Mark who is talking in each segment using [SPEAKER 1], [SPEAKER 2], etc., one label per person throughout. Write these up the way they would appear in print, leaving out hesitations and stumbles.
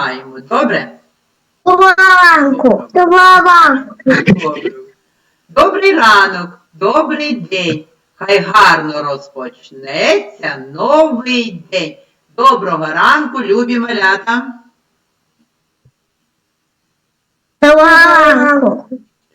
[SPEAKER 1] починаємо, добре?
[SPEAKER 2] Доброго ранку. Доброго ранку.
[SPEAKER 1] Добре. Добрий ранок, добрий день. Хай гарно розпочнеться новий день. Доброго ранку, любі малята.
[SPEAKER 2] Доброго ранку.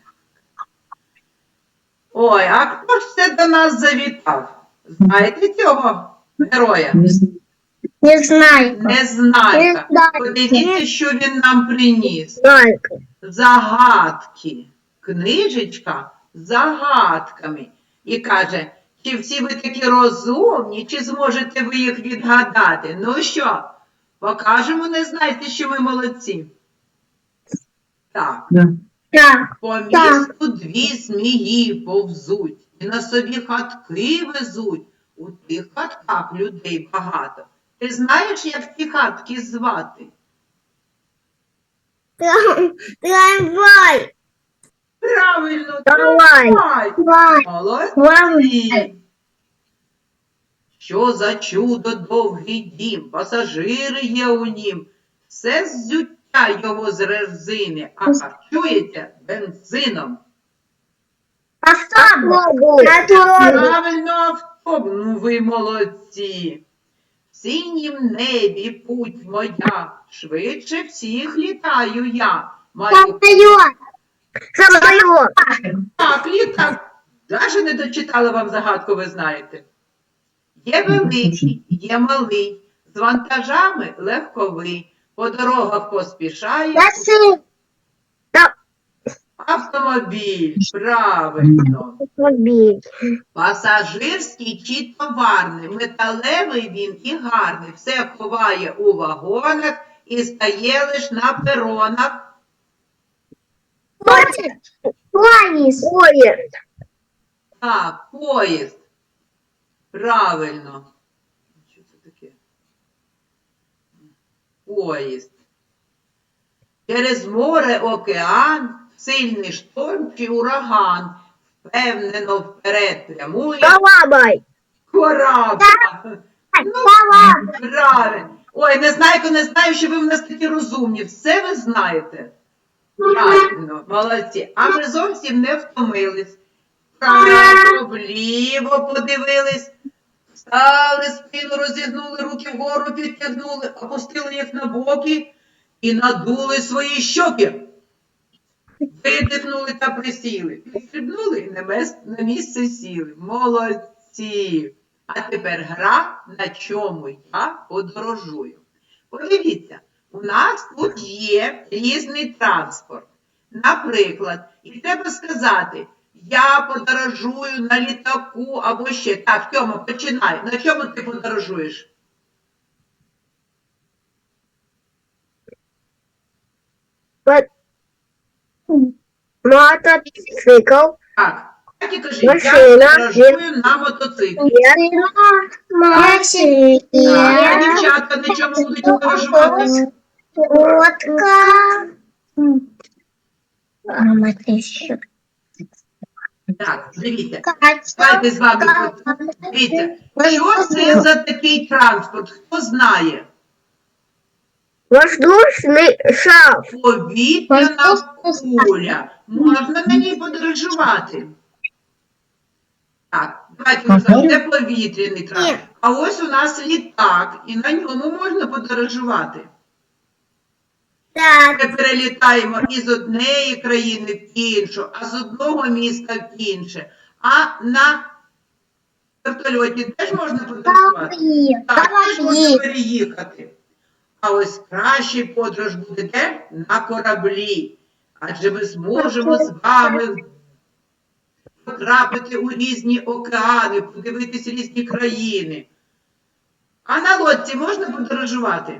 [SPEAKER 1] Ой, а хто ж це до нас завітав? Знаєте цього героя?
[SPEAKER 2] Незнайка.
[SPEAKER 1] Незнайка.
[SPEAKER 2] Незнайка.
[SPEAKER 1] Подивіться, що він нам приніс.
[SPEAKER 2] Незнайка.
[SPEAKER 1] Загадки. Книжечка з загадками. І каже, чи всі ви такі розумні, чи зможете ви їх відгадати? Ну що, покажемо, не знаєте, що ми молодці? Так.
[SPEAKER 2] Так.
[SPEAKER 1] По місту дві змії повзуть, і на собі хатки везуть. У тих хатках людей багато. Ти знаєш, як ці хатки звати?
[SPEAKER 2] Трамвай.
[SPEAKER 1] Правильно,
[SPEAKER 2] Трамвай.
[SPEAKER 1] трамвай. Молодці. Що за чудо довгий дім, пасажири є у нім, все ззуття його з резини, а харчується бензином.
[SPEAKER 2] Автобус.
[SPEAKER 1] Правильно, автобус, ну ви молодці. В синім небі путь моя, швидше всіх літаю я. Маю
[SPEAKER 2] Самолет.
[SPEAKER 1] так, літак. Даже не дочитала вам загадку, ви знаєте. Є великий, є малий, з вантажами легковий, по дорогах поспішає автомобіль. Правильно. Пасажирський чи товарний, металевий він і гарний, все ховає у вагонах і стає лиш на перонах.
[SPEAKER 2] Поезд.
[SPEAKER 1] Так, поїзд. Правильно. Що це таке? Поїзд. Через море, океан, сильний шторм чи ураган. Впевнено вперед прямує
[SPEAKER 2] Калабай.
[SPEAKER 1] корабль. Ну, правильно. Ой, не знаю, що ви в нас такі розумні. Все ви знаєте. Правильно, молодці. А ми зовсім не втомились. Вправо, вліво подивились. Стали, спину розігнули, руки вгору підтягнули, опустили їх на боки і надули свої щоки. Видихнули та присіли. Підстрибнули і на місце сіли. Молодці! А тепер гра, на чому я подорожую. Подивіться, у нас тут є різний транспорт. Наприклад, і треба сказати, я подорожую на літаку або ще. Так, Тьома, починай. На чому ти подорожуєш?
[SPEAKER 2] Мотоцикл.
[SPEAKER 1] Так і кажи,
[SPEAKER 2] Машина.
[SPEAKER 1] я подорожую на мотоциклі.
[SPEAKER 2] Машина.
[SPEAKER 1] А дівчатка на чому будуть подорожувати?
[SPEAKER 2] Лодка. Мама, ты еще.
[SPEAKER 1] Так, дивіться. Давайте з вами. Дивіться, що це за такий транспорт? Хто знає?
[SPEAKER 2] Воздушный шар.
[SPEAKER 1] Повітряна куля. Можна на ній подорожувати. Так, давайте ми скажемо, це повітряний транспорт. А ось у нас літак, і на ньому можна подорожувати.
[SPEAKER 2] Так.
[SPEAKER 1] Ми перелітаємо із однієї країни в іншу, а з одного міста в інше. А на вертольоті теж можна подорожувати? Так, теж можна переїхати. А ось кращий подорож буде де? На кораблі. Адже ми зможемо з вами потрапити у різні океани, подивитись різні країни. А на лодці можна подорожувати?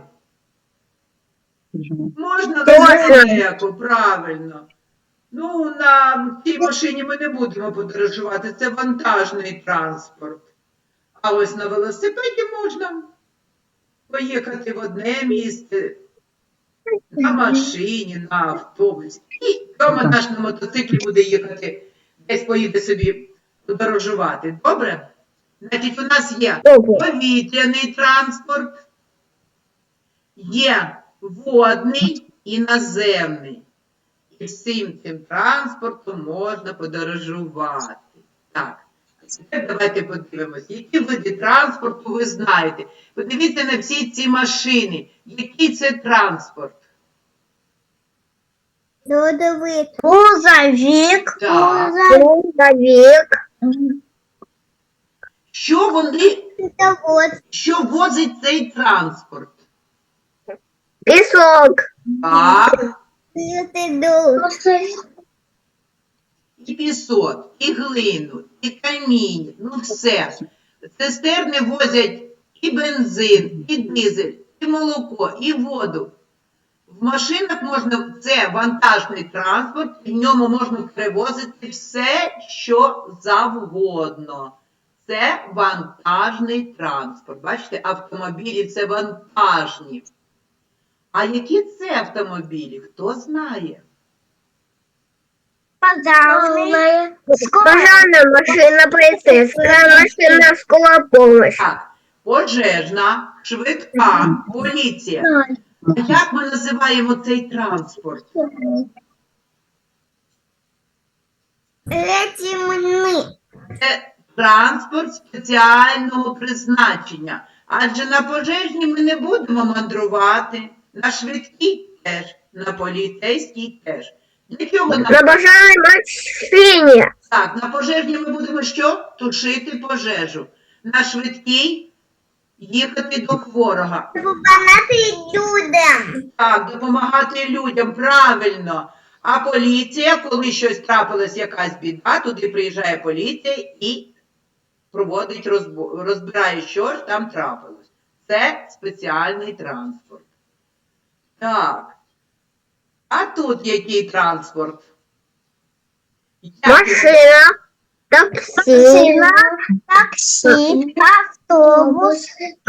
[SPEAKER 1] Можна далеко, правильно. Ну, на цій машині ми не будемо подорожувати, це вантажний транспорт. А ось на велосипеді можна поїхати в одне місце, на машині, на автобусі. І вдома наш на мотоциклі буде їхати, десь поїде собі подорожувати. Добре? Значить, у нас є повітряний транспорт, є водний і наземний. І всім цим транспортом можна подорожувати. Так, а тепер давайте подивимося, які види транспорту ви знаєте. Подивіться на всі ці машини. Який це транспорт?
[SPEAKER 2] Грузовик.
[SPEAKER 1] Так.
[SPEAKER 2] Грузовик.
[SPEAKER 1] Що возить цей транспорт?
[SPEAKER 2] Песок.
[SPEAKER 1] Так, і пісок, і глину, і каміння, ну все. Цистерни возять і бензин, і дизель, і молоко, і воду. В машинах можна, це вантажний транспорт, і в ньому можна перевозити все, що завгодно. Це вантажний транспорт. Бачите, автомобілі це вантажні. А які це автомобілі? Хто знає?
[SPEAKER 2] Пожарная машина, полицейская машина, скорая помощь.
[SPEAKER 1] Так, пожежна, швидка, поліція. А як ми називаємо цей транспорт? Це транспорт спеціального призначення. Адже на пожежній ми не будемо мандрувати, на швидкій теж, на поліцейській теж. Для чого нам?
[SPEAKER 2] На пожарной машине.
[SPEAKER 1] Так, на пожежній ми будемо що? Тушити пожежу. На швидкій їхати до хворого. Так, допомагати людям, правильно. А поліція, коли щось трапилось, якась біда, туди приїжджає поліція і проводить розбирає, що ж там трапилось. Це спеціальний транспорт. Так. А тут який транспорт?
[SPEAKER 2] Машина. Такси. Автобус.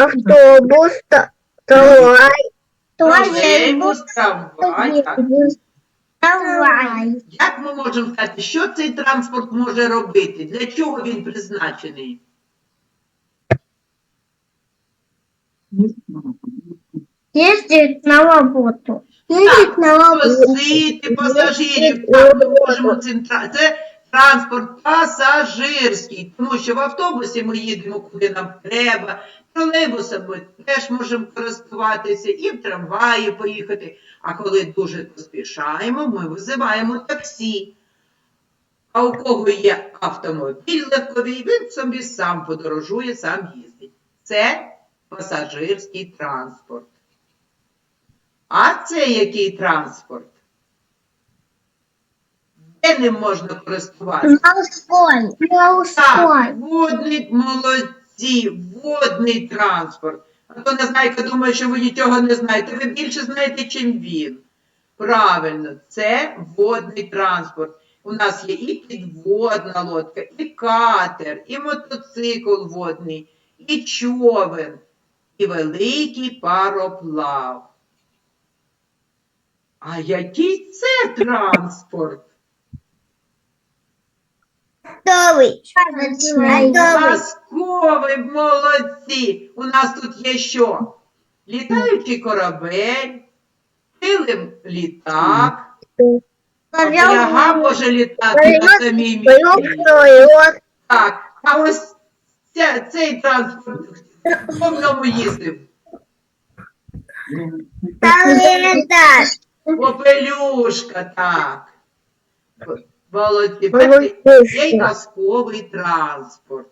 [SPEAKER 2] Трамвай.
[SPEAKER 1] Тролейбус, трамвай. Так.
[SPEAKER 2] Трамвай.
[SPEAKER 1] Як ми можемо сказати, що цей транспорт може робити? Для чого він призначений?
[SPEAKER 2] Ездить на работу.
[SPEAKER 1] Так, возити пасажирів. Так, ми можемо це транспорт пасажирський, тому що в автобусі ми їдемо, куди нам треба, тролейбусом ми теж можемо користуватися, і в трамваї поїхати. А коли дуже поспішаємо, ми визиваємо таксі. А у кого є автомобіль легковий, він собі сам подорожує, сам їздить. Це пасажирський транспорт. А це який транспорт? Де ним можна користуватися? Так, водний, молодці, водний транспорт. А то Незнайка думає, що ви нічого не знаєте. Ви більше знаєте, чим він. Правильно, це водний транспорт. У нас є і підводна лодка, і катер, і мотоцикл водний, і човен, і великий пароплав. А який це транспорт? Казковий, молодці! У нас тут є що? Літаючий корабель, килим літак, ляга може літати на самій місці. Так, а ось цей транспорт, хто в ньому їздив? Попелюшка, так. Молодці. Є й казковий транспорт.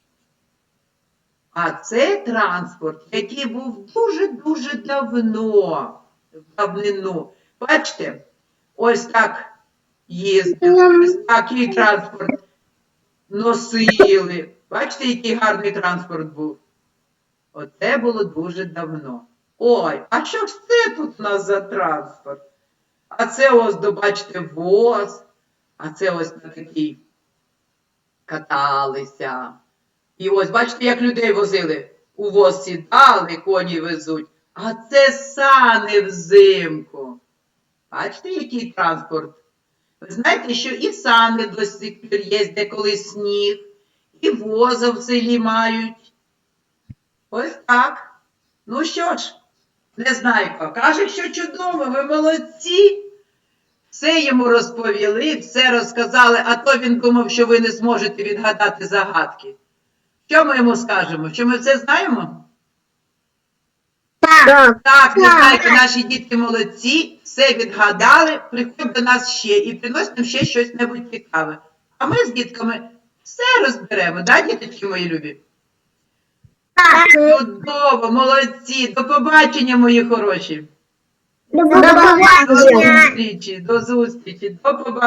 [SPEAKER 1] А це транспорт, який був дуже-дуже давно, в давнину. Бачите, ось так їздили, ось такий транспорт носили. Бачите, який гарний транспорт був? Оце було дуже давно. Ой, а що ж це тут у нас за транспорт? А це ось, бачите, воз. А це ось на такій каталися. І ось, бачите, як людей возили. У воз сідали, коні везуть. А це сани взимку. Бачите, який транспорт? Ви знаєте, що і сани до сих пір є, де коли сніг, і воза в селі мають. Ось так. Ну що ж, Незнайко каже, що чудово, ви молодці. Все йому розповіли, все розказали, а то він думав, що ви не зможете відгадати загадки. Що ми йому скажемо? Що ми все знаємо?
[SPEAKER 2] Так.
[SPEAKER 1] Так, Незнайко, наші дітки молодці, все відгадали, приходь до нас ще і принось нам ще щось небудь цікаве. А ми з дітками все розберемо, да, діточки мої любі? Чудово, молодці, до побачення, мої хороші.
[SPEAKER 2] До побачення.
[SPEAKER 1] До зустрічі, до побачення.